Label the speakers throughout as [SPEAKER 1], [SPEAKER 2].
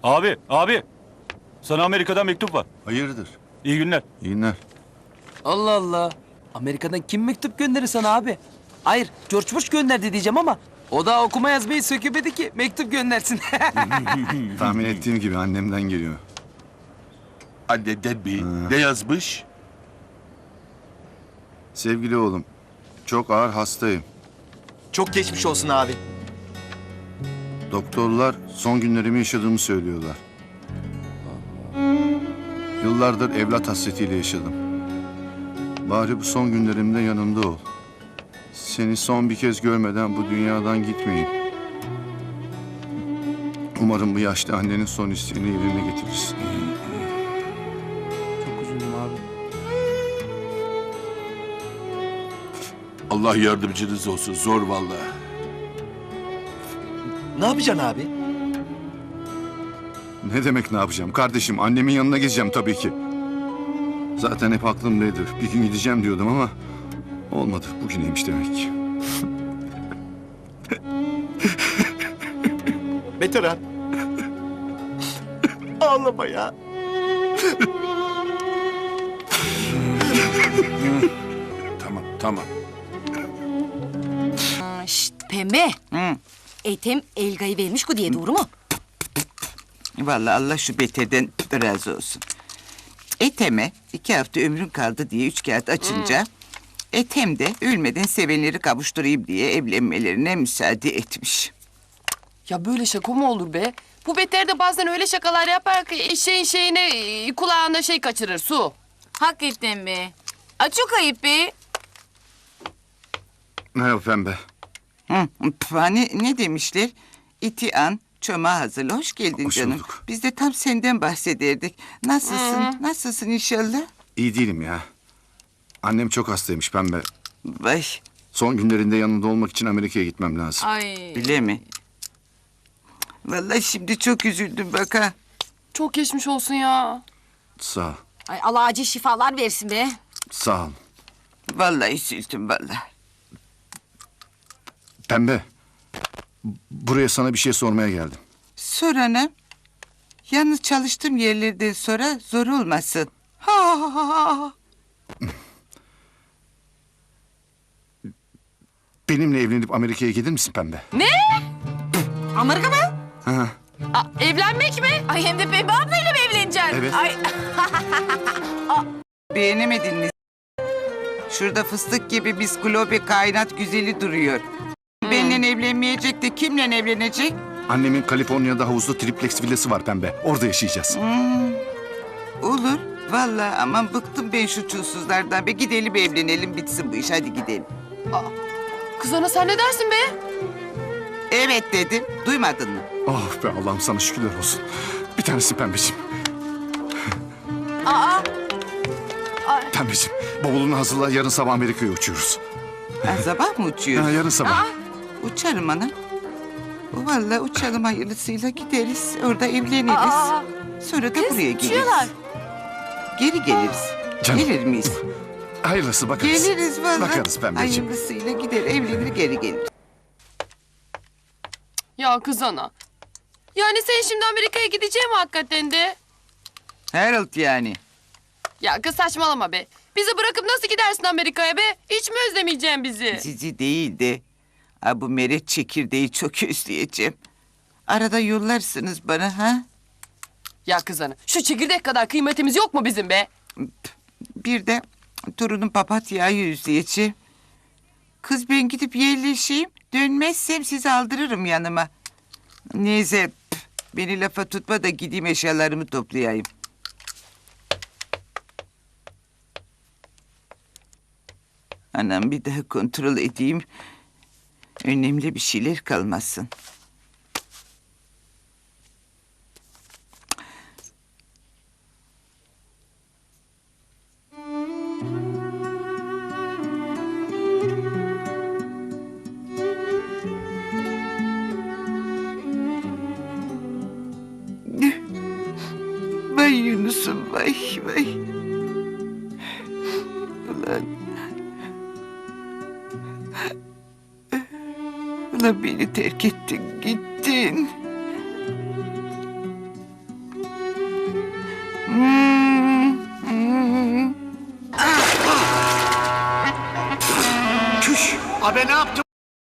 [SPEAKER 1] Abi. Sana Amerika'dan mektup var.
[SPEAKER 2] Hayırdır?
[SPEAKER 1] İyi günler.
[SPEAKER 2] İyi günler.
[SPEAKER 3] Allah Allah. Amerika'dan kim mektup gönderir sana abi? Hayır, George Bush gönderdi diyeceğim ama o da okuma yazmayı sökemedi ki mektup göndersin.
[SPEAKER 2] Tahmin ettiğim gibi annemden geliyor.
[SPEAKER 4] Annenden mi? Ne yazmış?
[SPEAKER 2] Sevgili oğlum, çok ağır hastayım.
[SPEAKER 5] Çok geçmiş olsun abi.
[SPEAKER 2] Doktorlar son günlerimi yaşadığımı söylüyorlar. Yıllardır evlat hasretiyle yaşadım. Bari bu son günlerimde yanımda ol. Seni son bir kez görmeden bu dünyadan gitmeyeyim. Umarım bu yaşlı annenin son isteğini yerine getirirsin.
[SPEAKER 3] Çok üzüldüm abi.
[SPEAKER 4] Allah yardımcınız olsun. Zor vallahi.
[SPEAKER 5] Ne yapacaksın abi?
[SPEAKER 2] Ne demek ne yapacağım? Kardeşim, annemin yanına gideceğim tabii ki. Zaten hep aklımdaydı. Bir gün gideceğim diyordum ama olmadı. Bugüneymiş demek ki.
[SPEAKER 5] Veteran. Ağlama ya.
[SPEAKER 4] Tamam.
[SPEAKER 6] Şşt pembe. Etem Elga'yı vermiş ku diye doğru mu?
[SPEAKER 7] Vallahi Allah şu beterden razı olsun. Ethem'e 2 hafta ömrün kaldı diye 3 kağıt açınca... Ethem de ölmeden sevenleri kavuşturayım diye evlenmelerine müsaade etmiş.
[SPEAKER 8] Ya böyle şaka mı olur be? Bu beter de bazen öyle şakalar yapar ki şeyine kulağına şey kaçırır su.
[SPEAKER 6] Hakikaten be. Çok ayıp be.
[SPEAKER 2] Merhaba Pembe.
[SPEAKER 7] Hani ne demişler? İti an, çoma hazırla. Hoş geldin
[SPEAKER 2] Hoş
[SPEAKER 7] canım.
[SPEAKER 2] bulduk.
[SPEAKER 7] Biz de tam senden bahsederdik. Nasılsın? Nasılsın inşallah?
[SPEAKER 2] İyi değilim ya. Annem çok hastaymış Pembe.
[SPEAKER 7] Vay,
[SPEAKER 2] Son günlerinde yanında olmak için Amerika'ya gitmem lazım.
[SPEAKER 6] Ay.
[SPEAKER 7] öyle mi? Vallahi şimdi çok üzüldüm bak ha.
[SPEAKER 8] Çok geçmiş olsun ya.
[SPEAKER 2] Sağ ol.
[SPEAKER 6] Ay Allah acil şifalar versin be.
[SPEAKER 2] Sağ ol.
[SPEAKER 7] Vallahi üzüldüm vallahi.
[SPEAKER 2] Pembe. Buraya sana bir şey sormaya geldim.
[SPEAKER 7] Sorana, yalnız çalıştığım yerlerden sonra zor olmasın. Ha.
[SPEAKER 2] Benimle evlenip Amerika'ya gelir misin Pembe?
[SPEAKER 6] Amerika mı?
[SPEAKER 2] Ha,
[SPEAKER 8] Evlenmek mi?
[SPEAKER 6] Ay hem de Pembe ablayla mı evleneceksin?
[SPEAKER 2] evet.
[SPEAKER 6] Ay
[SPEAKER 7] Beğenemedin mi? Şurada fıstık gibi biskülope kainat güzeli duruyor. Benimle evlenmeyecek de kimle evlenecek?
[SPEAKER 2] Annemin Kaliforniya'da havuzlu triplex villası var Pembe. Orada yaşayacağız.
[SPEAKER 7] Olur. Vallahi aman bıktım ben şu çulsuzlardan. Be gidelim evlenelim bitsin bu iş hadi gidelim.
[SPEAKER 8] Kız ana sen ne dersin be?
[SPEAKER 7] Evet dedim. Duymadın mı?
[SPEAKER 2] Oh be Allah'ım sana şükürler olsun. Bir tanesi Pembeciğim.
[SPEAKER 6] aa.
[SPEAKER 2] Pembeciğim bavulunu hazırla, yarın sabah Amerika'ya uçuyoruz.
[SPEAKER 7] Ha, sabah mı
[SPEAKER 2] Ha,
[SPEAKER 7] uçuyoruz?
[SPEAKER 2] yarın sabah.
[SPEAKER 7] Uçarım anam. Vallahi uçalım hayırlısıyla gideriz. Orada evleniriz.
[SPEAKER 6] Aa.
[SPEAKER 7] Sonra da buraya geliriz.
[SPEAKER 6] uçuyorlar.
[SPEAKER 7] Geri geliriz.
[SPEAKER 2] Canım.
[SPEAKER 7] Gelir miyiz?
[SPEAKER 2] Hayırlısı bakarız.
[SPEAKER 7] Geliriz vallahi.
[SPEAKER 2] Bakarız Pembeciğim.
[SPEAKER 7] Hayırlısıyla gider evlenir geri gelir.
[SPEAKER 8] Ya kız ana. Yani sen şimdi Amerika'ya gideceksin mi hakikaten de?
[SPEAKER 7] Harold yani.
[SPEAKER 8] Ya kız saçmalama be. Bizi bırakıp nasıl gidersin Amerika'ya be? Hiç mi özlemeyeceksin bizi?
[SPEAKER 7] Sizi değil de bu meret çekirdeği çok özleyeceğim. Arada yollarsınız bana ha?
[SPEAKER 8] Ya kız ana şu çekirdek kadar kıymetimiz yok mu bizim be?
[SPEAKER 7] Bir de torunum papatyayı özleyeceğim. Kız ben gidip yerleşeyim. Dönmezsem sizi aldırırım yanıma. Neyse beni lafa tutma da gideyim eşyalarımı toplayayım. Anam bir daha kontrol edeyim. Önemli bir şeyler kalmasın. Vay Yunus'um vay vay. Ulan. Ulan beni terk ettin gittin.
[SPEAKER 9] Abi ne yaptın?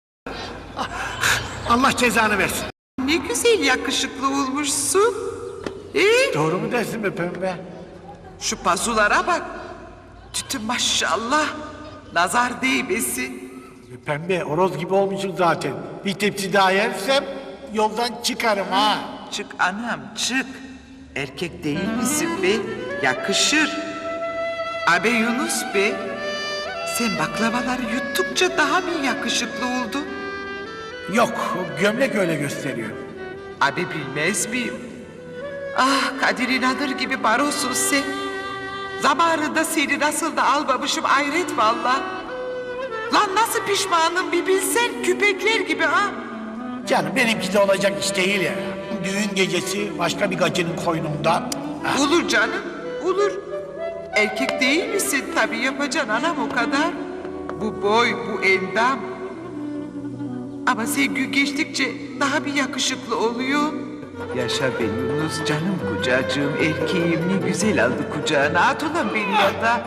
[SPEAKER 9] Allah cezanı versin.
[SPEAKER 7] Ne güzel yakışıklı olmuşsun.
[SPEAKER 9] Doğru mu dersin be pembe?
[SPEAKER 7] Şu pazulara bak. Tütü maşallah. Nazar değmesin.
[SPEAKER 9] Pembe horoz gibi olmuşsun zaten. Bir tepsi daha yersem yoldan çıkarım ha.
[SPEAKER 7] Çık anam çık. Erkek değil misin be? Yakışır. Abi Yunus be. Sen baklavaları yuttukça daha mı yakışıklı oldun?
[SPEAKER 9] Yok, gömlek öyle gösteriyor.
[SPEAKER 7] Abi bilmez miyim? Ah Kadir İnanır gibi barosun sen. Zamanında seni nasıl da almamışım hayret valla. Lan nasıl pişmanım bir bilsen küpekler gibi ha.
[SPEAKER 9] Canım benimki de olacak iş değil ya. Düğün gecesi başka bir gacının koynunda.
[SPEAKER 7] Olur canım olur. Erkek değil misin tabii yapacaksın anam o kadar. Bu boy bu endam. Ama sen gün geçtikçe daha bir yakışıklı oluyor. Yaşa be Yunus canım kucacığım erkeğim ne güzel aldı kucağına. At ulan beni yatağa.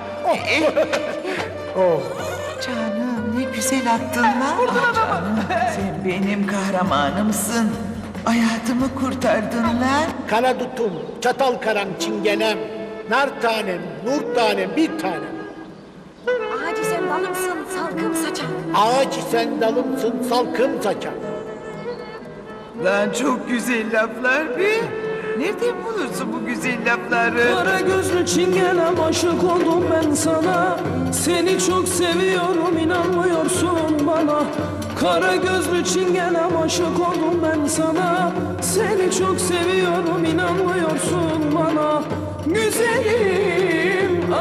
[SPEAKER 7] Canım ne güzel attın lan. Ah canım sen benim kahramanımsın. Hayatımı kurtardın lan.
[SPEAKER 9] Kara dutum, çatal karam çingenem, nar tanem, nur tanem, bir tanem.
[SPEAKER 6] Ağacı sen dalımsın, salkım saçan.
[SPEAKER 9] Ağaç sen dalımsın, salkım saçan.
[SPEAKER 7] Lan çok güzel laflar be. Nereden bulursun bu güzel lafları?
[SPEAKER 3] Kara gözlü çingenem aşık oldum ben sana. Seni çok seviyorum inanmıyorsun bana. Kara gözlü çingenem aşık oldum ben sana. Seni çok seviyorum inanmıyorsun bana. Güzelim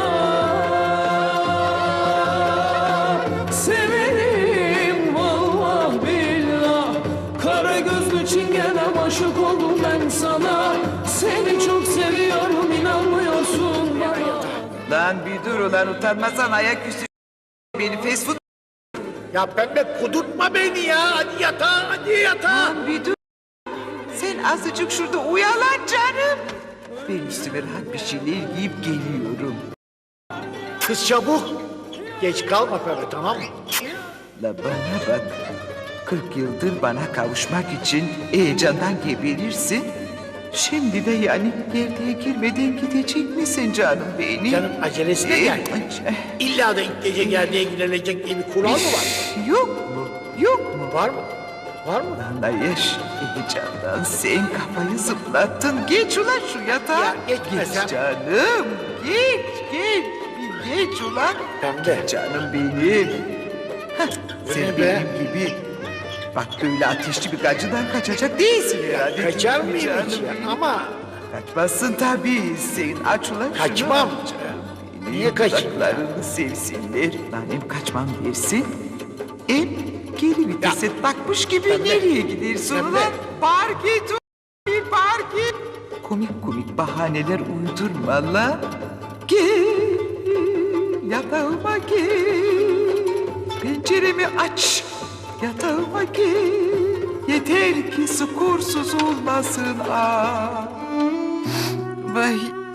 [SPEAKER 3] severim vallah billah. Kara gözlü çingenem aşık oldum ben sana. Seni çok seviyorum inanmıyorsun bana.
[SPEAKER 7] Lan bir dur ulan utanmasan ayaküstü beni fast food.
[SPEAKER 9] Ya pembe kudurtma beni ya, hadi yatağa, hadi yatağa.
[SPEAKER 7] Lan bir dur. Sen azıcık şurada uyalan canım. Ben üstüme rahat bir şeyler giyip geliyorum.
[SPEAKER 9] Kız çabuk. Geç kalma pembe, tamam mı?
[SPEAKER 7] La bana bak. 40 yıldır bana kavuşmak için heyecandan geberirsin. Şimdi de yani gerdeğe girmeden gidecek misin canım benim?
[SPEAKER 9] Canım acelesine gel. İlla da ilk gece gerdeğe girilecek diye bir kural mı var?
[SPEAKER 7] Yok mu? Yok mu?
[SPEAKER 9] Var mı? Var mı?
[SPEAKER 7] Lan yaş heyecandan sen kafayı zıplattın. Geç ulan şu yatağa.
[SPEAKER 9] Ya geçmesem.
[SPEAKER 7] Geç canım. Geç. Bir geç ulan.
[SPEAKER 9] Pembe.
[SPEAKER 7] Canım benim. Hah, sen
[SPEAKER 9] ne be?
[SPEAKER 7] benim gibi. Bak böyle ateşli bir gacıdan kaçacak değilsin herhalde.
[SPEAKER 9] Kaçar
[SPEAKER 7] değil mi
[SPEAKER 9] mıyım hiç
[SPEAKER 7] canım
[SPEAKER 9] ya?
[SPEAKER 7] benim?
[SPEAKER 9] Ama
[SPEAKER 7] Kaçmazsın tabii. Sen aç ulan şunu.
[SPEAKER 9] Kaçmam.
[SPEAKER 7] Canım,
[SPEAKER 9] Niye kaçayım ya?
[SPEAKER 7] kulaklarını sevsinler. Lan hem kaçmam dersin. Hem geri vitese takmış gibi
[SPEAKER 9] Pembe.
[SPEAKER 7] nereye gidersin
[SPEAKER 9] Pembe.
[SPEAKER 7] ulan? Park et ulan, park et. Komik bahaneler uydurma lan. Gel yatağıma gel. Penceremi aç. Yatağıma gel. Yeter ki sukursuz olmasın ah. Vay.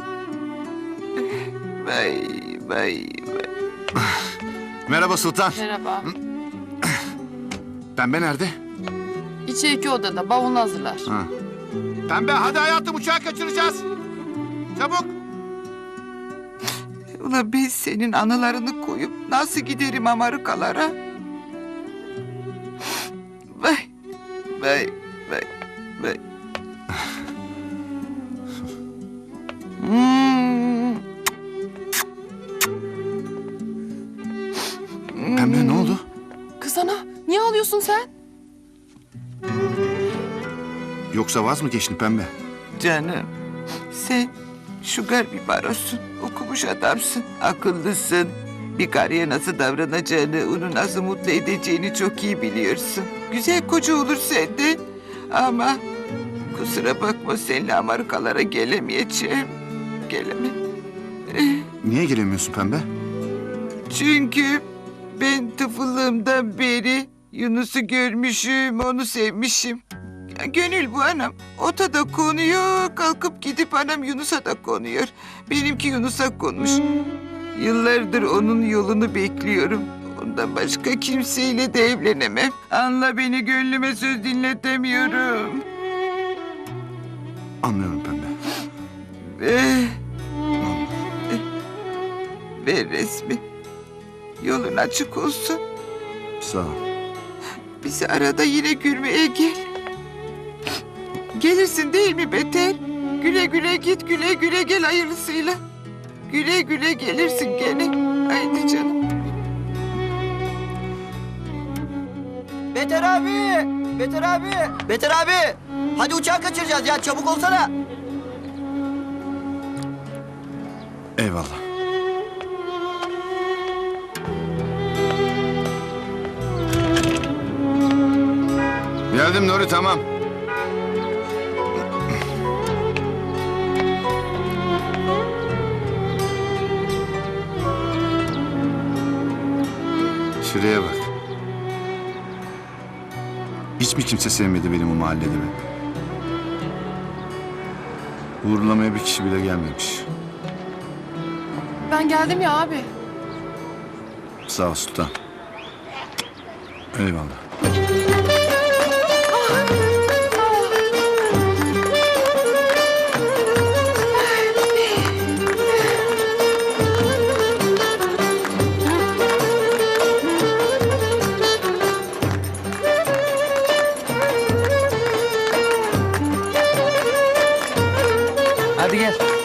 [SPEAKER 7] Vay.
[SPEAKER 2] Merhaba Sultan.
[SPEAKER 8] Merhaba.
[SPEAKER 2] Pembe nerede?
[SPEAKER 8] İçeriki odada bavulunu hazırlar.
[SPEAKER 2] Pembe hadi hayatım uçağı kaçıracağız. Çabuk.
[SPEAKER 7] Ulan ben senin anılarını koyup nasıl giderim Amerikalara? Vay.
[SPEAKER 2] Pembe ne oldu?
[SPEAKER 8] Kız ana niye ağlıyorsun sen?
[SPEAKER 2] Yoksa vaz mı geçtin Pembe?
[SPEAKER 7] Canım, sen şugar bir barosun, okumuş adamsın, akıllısın. Bir karıya nasıl davranacağını, onu nasıl mutlu edeceğini çok iyi biliyorsun. Güzel koca olur senden. Ama kusura bakma seninle Amerikalara gelemeyeceğim. Gelemem.
[SPEAKER 2] Niye gelemiyorsun Pembe?
[SPEAKER 7] Çünkü ben tıfıllığımdan beri Yunus'u görmüşüm, onu sevmişim. Gönül bu anam. Ota da konuyor, kalkıp gidip anam Yunus'a da konuyor. Benimki Yunus'a konmuş. Yıllardır onun yolunu bekliyorum. Ondan başka kimseyle de evlenemem. Anla beni, gönlüme söz dinletemiyorum.
[SPEAKER 2] Anlıyorum Pembe.
[SPEAKER 7] Ver resmi. Yolun açık olsun.
[SPEAKER 2] Sağ ol.
[SPEAKER 7] Bizi arada yine görmeye gel. Gelirsin değil mi Beter? Güle güle git, güle güle gel hayırlısıyla. Güle güle gelirsin gene. Haydi canım.
[SPEAKER 10] Beter abi! Beter abi! Beter abi! Hadi uçağı kaçıracağız ya, çabuk olsana.
[SPEAKER 2] Eyvallah. Geldim Nuri, tamam. Şuraya bak. Hiç mi kimse sevmedi benim o mahallede be? Uğurlamaya bir kişi bile gelmemiş.
[SPEAKER 8] Ben geldim ya abi.
[SPEAKER 2] Sağ ol Sultan. Eyvallah.
[SPEAKER 10] Hadi gel.